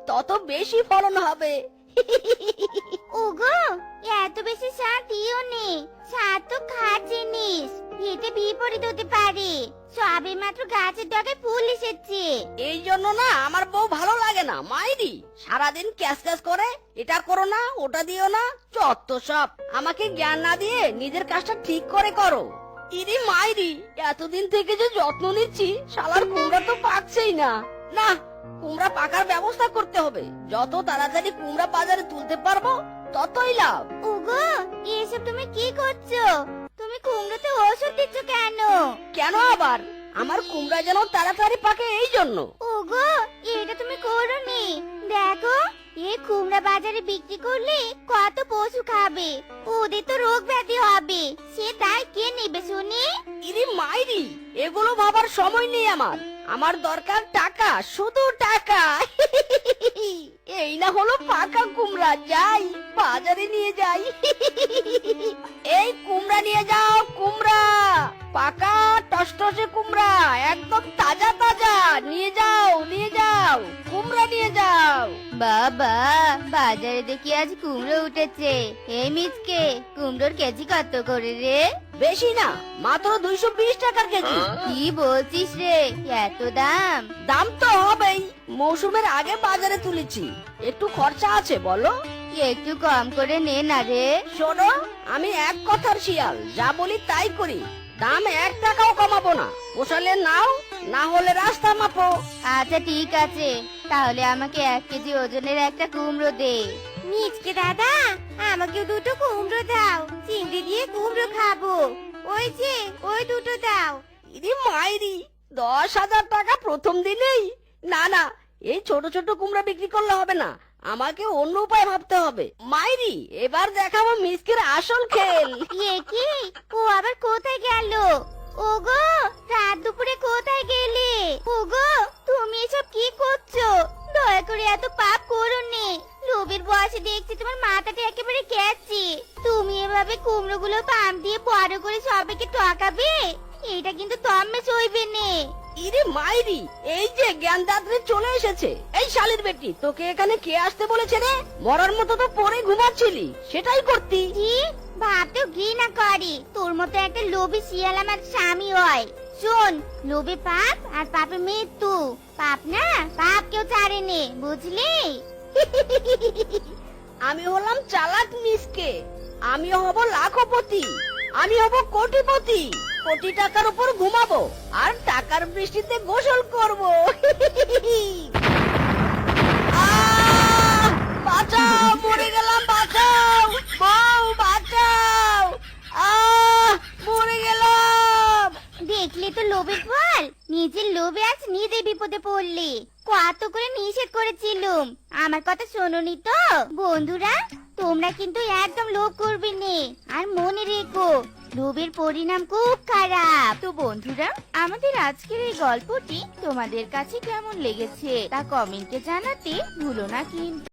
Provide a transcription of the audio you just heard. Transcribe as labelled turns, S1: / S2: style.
S1: তত বেশি ফলন হবে।
S2: ওগো, এত বেশি সার দিও নে। সার তো খার জিনিস, এতে বিপরীত হতে পারে। সবে মাত্র গাছের ডগায় ফুল এসেছে।
S1: এই জন্য না আমার বউ ভালো লাগে না মাইরি। সারাদিন ক্যাশ ক্যাশ করে, এটা করো না ওটা দিও না, চত্ব সব। আমাকে জ্ঞান না দিয়ে নিজের কাজটা ঠিক করে করো। ইরি মাইরি, এতদিন থেকে যে যত্ন নিচ্ছি, শালার কুমড়া তো পাকছেই না। না, কুমড়া পাকার ব্যবস্থা করতে হবে। যত তাড়াতাড়ি কুমড়া বাজারে তুলতে পারবো ততই লাভ।
S2: ওগো, এসব তুমি কি করছো? তুমি কুমড়োতে ওষুধ দিচ্ছ কেন?
S1: কেন আবার? আমার কুমড়া যেন তাড়াতাড়ি পাকে এই জন্য।
S2: ওগো, এটা তুমি করোনি। দেখো, এই কুমড়া বাজারে বিক্রি করলে কত পশু খাবে, ওদের তো রোগ ব্যাধি হবে। সে দায় কে নেবে শুনি?
S1: ইরি মাইরি, এগুলো ভাবার সময় নেই আমার। আমার দরকার টাকা, শুধু টাকা। এই না হলো পাকা কুমড়া, যাই বাজারে নিয়ে যাই। এই কুমড়া নিয়ে যাও, কুমড়া পাকা টসটসে কুমড়া, একদম তাজা তাজা। নিয়ে যাও নিয়ে যাও, কুমড়া নিয়ে যাও।
S2: বাবা, বাজারে দেখি আজ কুমড়ো উঠেছে। এই মিচকে, কুমড়োর কেজি কত করে রে?
S1: বেশি না, মাত্র 220 টাকার কেজি।
S2: কি বলছিস রে, এত দাম?
S1: দাম তো হবেই, মৌসুমের আগে বাজারে তুলেছি, একটু খরচা আছে বলো।
S2: একটু কম করে নে না রে।
S1: শোনো, আমি এক কথার শিয়াল, যা বলি তাই করি। দাম 1 টাকাও কমাবো না। পোষালে নাও, না হলে রাস্তা মাপো।
S2: আচ্ছা ঠিক আছে, তাহলে আমাকে 1 কেজি ওজনের একটা কুমড়ো দে। মিচকে দাদা, আমাকে দুটো কুমড়ো দাও, চিংড়ি দিয়ে কুমড়ো খাবো। ওই যে, ওই দুটো দাও।
S1: ইরি মাইরি, 10,000 টাকা প্রথম দিনেই? না না, এই ছোট ছোট কুমড়া বিক্রি করলে হবে না, আমাকে অন্য উপায় ভাবতে হবে। মাইরি, এবার দেখাবো মিসকের আসল খেল।
S2: এ কি, ও আবার কোথায় গেল? ওগো, রাত দুপুরে কোথায় গেলে? ওগো, তুমি এসব কি করছো? দয়া করে এত পাপ করো নে। লোভের বয়সে দেখছি তোমার মাথাটা একেবারে গেছে। তুমি এভাবে কুমড়োগুলো পাম দিয়ে বড় করে সবাইকে ঠকাবে? এটা কিন্তু তম্মে সইবে নে।
S1: ইরে মাইরি, এই যে জ্ঞানদাত্রী চলে এসেছে। এই শালির বেটি, তোকে এখানে কে আসতে বলেছে রে? মরার মতো তো পরে ঘুমাচ্ছিলি, সেটাই করতি।
S2: কি ভাবতেও ঘৃণা করে, তোর মতো একটা লোভী শিয়াল আমার স্বামী হয়। শোন, লোভে পাপ আর পাপে মৃত্যু। পাপ না, পাপ কেউ ছাড়ে নে, বুঝলি?
S1: আমি হলাম চালাক মিসকে, আমি হব লাখপতি, আমি হব কোটিপতি। কোটি টাকার উপর ঘুমাবো আর টাকার বৃষ্টিতে গোসল করব। বাঁচাও, মরে গেলাম, বাঁচাও বউ, বাঁচাও। মরে গেলাম।
S2: দেখলে তো লোভের ফল, নিজের লোভে আজ নিজে বিপদে পড়লি। কত করে নিষেধ করেছিলুম, আমার কথা শোনোনি তো? বন্ধুরা, তোমরা কিন্তু একদম লোভ করবে নে, আর মনে রেখো, লোভের পরিণাম খুব খারাপ। তো বন্ধুরা, আমাদের আজকের এই গল্পটি তোমাদের কাছে কেমন লেগেছে তা কমেন্টে জানাতে ভুলো না কিন্তু।